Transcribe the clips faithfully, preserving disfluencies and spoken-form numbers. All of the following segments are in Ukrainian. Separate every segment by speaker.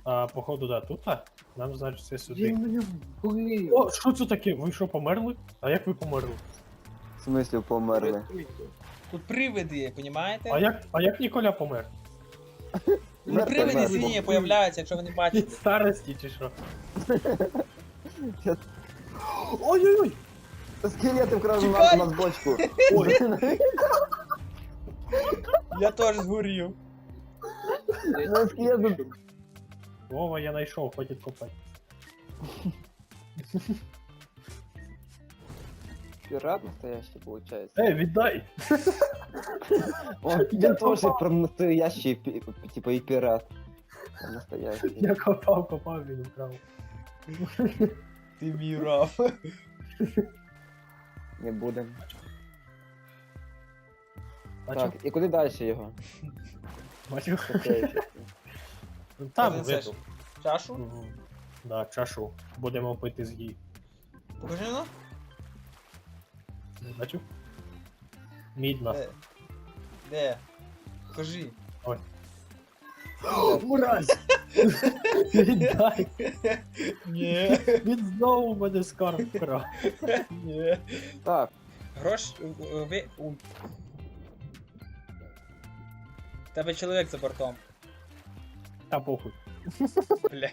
Speaker 1: А, походу, да, тут, а? Нам, значить, все сюди.
Speaker 2: Він мене вбив.
Speaker 1: О, що це таке? Ви що, померли? А як ви померли?
Speaker 2: В смислі померли?
Speaker 3: Тут привиди, понімаєте?
Speaker 1: А як, а як Ніколя помер?
Speaker 3: Ну,
Speaker 2: Мертвий,
Speaker 3: привиди
Speaker 2: мертвий.
Speaker 3: сині появляються, якщо ви не
Speaker 1: Від
Speaker 3: бачите.
Speaker 1: старості чи що? Ой-ой-ой!
Speaker 2: Скелети вкрали на,
Speaker 3: Чекай!
Speaker 2: на бочку.
Speaker 1: Ой,
Speaker 3: Я теж згорів.
Speaker 2: На скелети.
Speaker 1: Вова, я знайшов, хватить копати.
Speaker 2: Пират настоящий, получается.
Speaker 1: Ей, віддай!
Speaker 2: Он,
Speaker 1: Я
Speaker 2: він тоже
Speaker 1: попав.
Speaker 2: про настоящий, пи- типа и пират. Настоящий.
Speaker 1: Я копав, копав, він вкрав.
Speaker 3: Ти мій раб.
Speaker 2: Не будем.
Speaker 1: Бачив?
Speaker 2: Так, і куди далі його?
Speaker 1: Бачив?
Speaker 2: Окей.
Speaker 1: Там,
Speaker 3: Принесеш
Speaker 1: випив.
Speaker 3: Чашу?
Speaker 1: Мгм. Да, чашу. Будемо пити з її.
Speaker 3: Покажи ну.
Speaker 1: Бачив? Мідна.
Speaker 3: Де? Де? Покажи.
Speaker 1: Мразь! Віддай!
Speaker 3: Ні.
Speaker 1: Він знову мене скарб вкрав.
Speaker 3: Ні.
Speaker 2: Так,
Speaker 3: Грош... у- у- ви... у- В Тебе чоловік за бортом.
Speaker 1: Та похуй.
Speaker 3: Бля.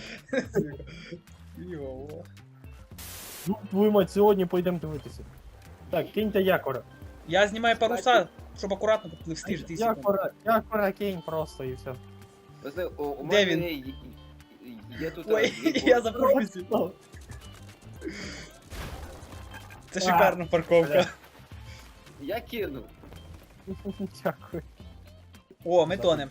Speaker 3: Йо.
Speaker 1: Ну, твою мать, сьогодні поїдемо дивитися. Так, киньте якора.
Speaker 3: Я знімаю паруса, щоб акуратно попливсти ж ти секунд.
Speaker 1: Якора, якора кинь просто і все.
Speaker 2: ви у, у
Speaker 3: Де
Speaker 2: мене
Speaker 3: він?
Speaker 2: є, є- є тут...
Speaker 3: Ой,
Speaker 2: е,
Speaker 3: я запропустив. Це шикарна парковка.
Speaker 2: Я кину.
Speaker 1: Дякую.
Speaker 3: О, ми тонем.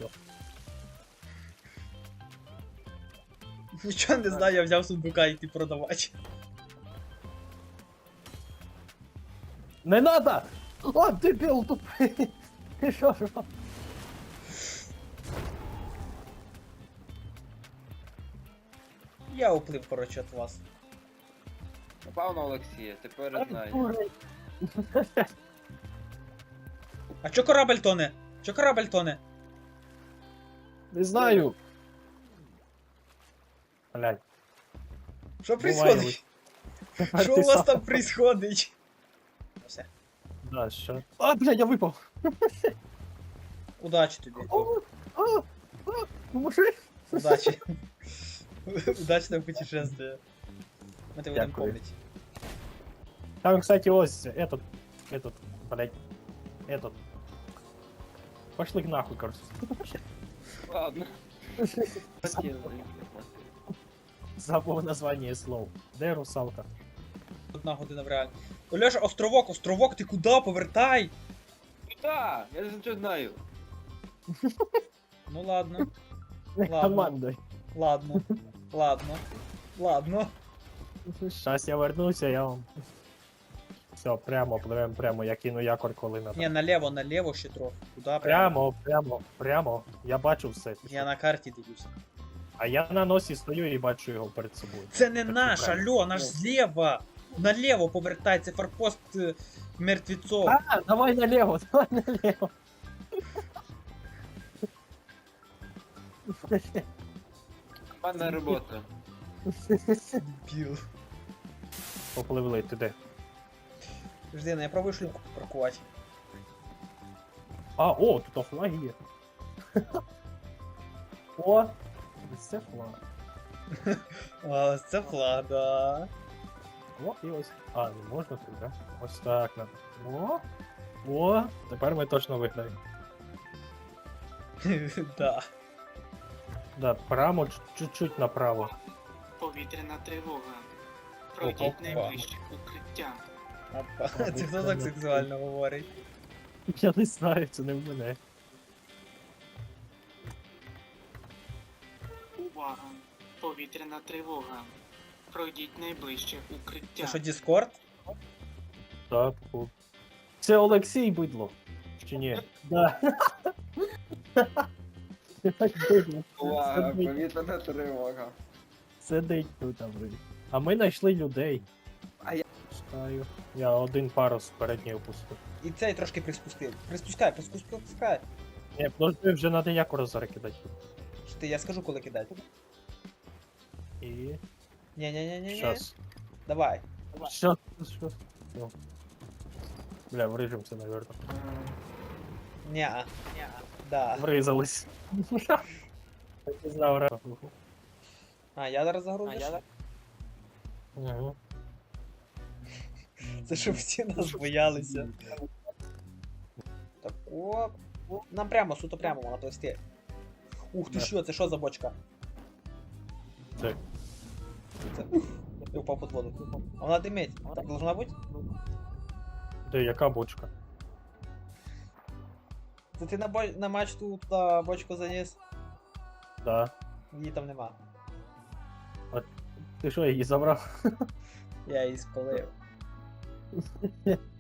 Speaker 3: Нічого не знаю, я взяв сундука йти продавати.
Speaker 1: Не надо! О, дебіл тупий! Ти що ж?
Speaker 3: Я уплив, коротше, від вас.
Speaker 2: Напав на Олексія, тепер знаю.
Speaker 1: Дурень.
Speaker 3: А чо корабль тоне? Чо корабль тоне?
Speaker 1: Не знаю. Блядь.
Speaker 3: Що
Speaker 1: Буває,
Speaker 3: происходить?
Speaker 1: Тепер
Speaker 3: Що
Speaker 1: ти
Speaker 3: у вас
Speaker 1: сам.
Speaker 3: там происходить? Все.
Speaker 1: Да, що? А, блядь, я випав.
Speaker 3: Удачі тобі.
Speaker 1: О, а, а, поможи.
Speaker 3: Удачі. Удачного путешествия. Ми тебе будемо
Speaker 1: Дякую.
Speaker 3: помнити.
Speaker 1: Там, кстати, ось этот, этот, блядь, этот. Пошли к нахуй, короче.
Speaker 2: Ладно.
Speaker 1: Забув название слов. Де русалка?
Speaker 3: Одна година в реалі. Олеша, островок, островок, ти куди? Повертай!
Speaker 2: Куда? Я ж нічого знаю.
Speaker 3: Ну ладно, Ладно.
Speaker 1: Командой.
Speaker 3: ладно, ладно, ладно.
Speaker 1: Щас я вернуся, я вам. Все, прямо, пливем прямо, я кину якор, коли надо.
Speaker 3: Ні, наліво, наліво ще трохи. Куди прямо?
Speaker 1: Прямо, прямо, прямо. Я бачу все.
Speaker 3: Я на карті дивлюся.
Speaker 1: А я на носі стою і бачу його перед собою.
Speaker 3: Це не
Speaker 1: Так,
Speaker 3: наш,
Speaker 1: правильно.
Speaker 3: алло, наш зліва. Наліво повертай, це форпост е, мертвецов.
Speaker 1: А, давай налево, давай налево.
Speaker 2: Командна робота.
Speaker 3: Біл.
Speaker 1: Попливли туди.
Speaker 3: Жди, ну я пробую шлюпку паркувати.
Speaker 1: А, о, тут флаг є. О, це флаг.
Speaker 3: А, це флага.
Speaker 1: О, і ось. А, не можна тут, да? Ось так надо. О, о, тепер ми точно виграємо.
Speaker 3: Да.
Speaker 1: Да, прямо ч- чуть-чуть направо.
Speaker 4: Повітряна тривога. Пройдіть найближче укриття.
Speaker 3: Опа. Це хто так сексуально говорить?
Speaker 1: Я не знаю, це не в мене.
Speaker 4: Увага! Повітряна тривога. Пройдіть найближче укриття.
Speaker 3: Це що, Діскорд?
Speaker 1: Так, о. Це Олексій бидло. Чи ні? Да. Так бидло.
Speaker 2: Увага,
Speaker 1: Сидить,
Speaker 2: повітряна тривога.
Speaker 1: сидить тут, а ви. А ми знайшли людей.
Speaker 2: А я-
Speaker 1: Чекаю. Я один парус передній опустив.
Speaker 3: І цей трошки приспустив. Приспускай, приспускай.
Speaker 1: Ні, подожди, вже треба якора зараз кидати.
Speaker 3: Ти, я скажу, коли кидати.
Speaker 1: І...
Speaker 3: Ні-ні-ні-ні.
Speaker 1: Щас.
Speaker 3: Давай.
Speaker 1: Щас, щас. Ну. Бля, врежемся, наверное.
Speaker 3: Ня. Да.
Speaker 1: Врезались. Я не знав, ра.
Speaker 3: А, я зараз загрузиш?
Speaker 1: Угу.
Speaker 3: Це щоб всі нас боялися. Так, оп. Нам прямо, суто прямо, вона плести. Ух ти
Speaker 1: Да.
Speaker 3: що, це що за бочка?
Speaker 1: Це.
Speaker 3: Це. Я упав під воду. А вона димить. Так должна бути?
Speaker 1: Де яка бочка?
Speaker 3: Це ти на, бо... на мачту туди бочку заніс?
Speaker 1: Да.
Speaker 3: Її там нема.
Speaker 1: Ти що, її забрав?
Speaker 3: Я її спалив.